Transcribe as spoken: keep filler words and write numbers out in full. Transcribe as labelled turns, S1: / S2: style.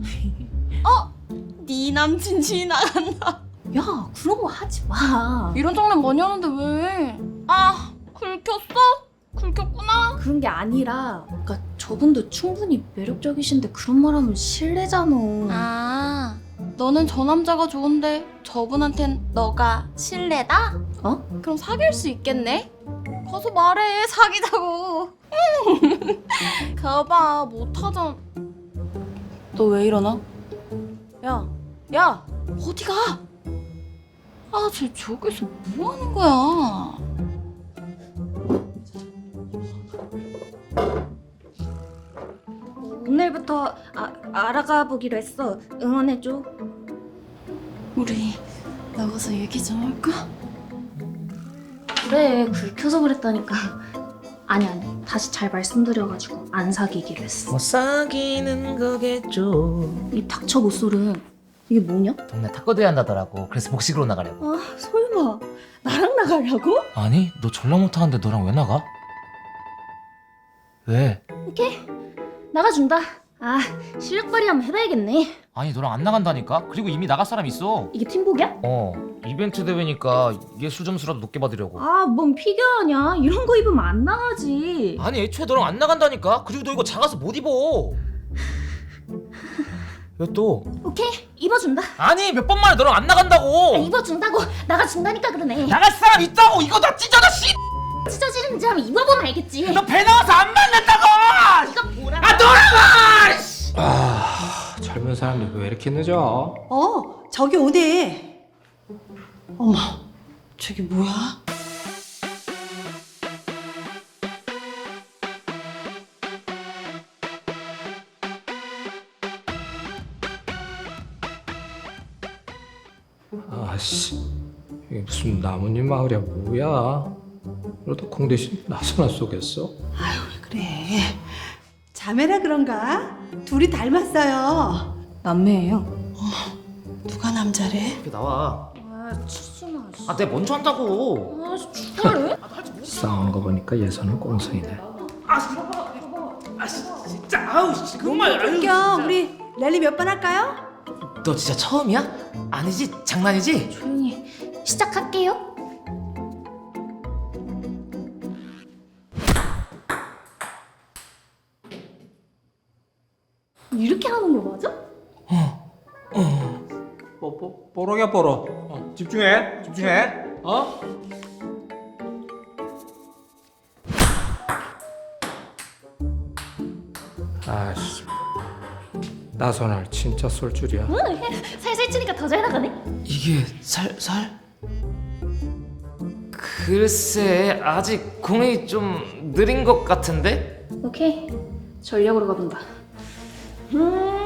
S1: 어? 네 남친 지나간다.
S2: 야, 그런 거 하지 마.
S1: 이런 장난 많이 하는데 왜? 아, 긁혔어? 긁혔구나.
S2: 그런 게 아니라, 그러니까 저분도 충분히 매력적이신데 그런 말 하면 실례잖아.
S1: 아, 너는 저 남자가 좋은데 저분한텐 너가 실례다?
S2: 어?
S1: 그럼 사귈 수 있겠네? 가서 말해, 사귀자고. 가봐, 못하잖아. 너 왜 일어나? 야, 야, 어디 가? 아, 쟤 저기서 뭐 하는 거야?
S2: 오늘부터 아, 알아가 보기로 했어. 응원해줘.
S1: 우리 나가서 얘기 좀 할까?
S2: 그래, 긁혀서 그랬다니까. 아니 아니, 다시 잘 말씀드려가지고 안 사귀기로 했어.
S3: 뭐 사귀는 거겠죠.
S2: 이 닥쳐 못소름. 이게 뭐냐?
S3: 동네 탁구대회 한다더라고. 그래서 복식으로 나가려고.
S2: 아, 설마 나랑 나가려고?
S3: 아니 너 전라 못하는데 너랑 왜 나가? 왜?
S2: 오케이, 나가준다. 아, 실력 발휘 한번 해봐야겠네.
S3: 아니 너랑 안 나간다니까? 그리고 이미 나갈 사람 있어.
S2: 이게 팀복이야?
S3: 어 이벤트 대회니까 예술 점수라도 높게 받으려고.
S2: 아, 뭔 피규어냐? 이런 거 입으면 안 나가지.
S3: 아니 애초에 너랑 안 나간다니까? 그리고 너 이거 작아서 못 입어. 왜 또?
S2: 오케이, 입어준다.
S3: 아니 몇 번 만에 너랑 안 나간다고.
S2: 아, 입어준다고. 나가준다니까 그러네.
S3: 나갈 사람 있다고. 이거 나 찢어져 씨.
S2: 찢어지는지 한번 입어보면 알겠지.
S3: 너 배 나와서 안 만났다고.
S2: 이거 뭐라?
S3: 아 너라고.
S4: 아, 젊은 사람들 왜 이렇게 늦어?
S5: 어, 저기 오네. 어머, 저기 뭐야?
S4: 아씨, 이게 무슨 나뭇잎 마을이야 뭐야? 그러다 공 대신 나서나 쏘겠어?
S5: 아유, 그래. 자매라 그런가? 둘이 닮았어요.
S2: 남매예요.
S5: 누가 남자래?
S3: 이렇게 나와.
S2: 아, 치수마.
S3: 아 내가 먼저 한다고.
S2: 아, 축하해?
S4: 싸우는 거 보니까 예선은 꽁성이네.
S3: 아 진짜 아우 정말 아유.
S5: 웃겨. 우리 랠리 몇 번 할까요?
S3: 너 진짜 처음이야? 아니지? 장난이지?
S2: 조용히 시작할게요. 이렇게 하는 거 맞아?
S4: 뽀, 뽀, 뽀록이야 뽀록. 어, 집중해, 집중해. 어? 아씨, 나선을 진짜 쏠 줄이야.
S2: 살살 치니까 더 잘 나가네.
S3: 이게 살살? 글쎄 아직 공이 좀 느린 것 같은데?
S2: 오케이, 전력으로 가본다. 음,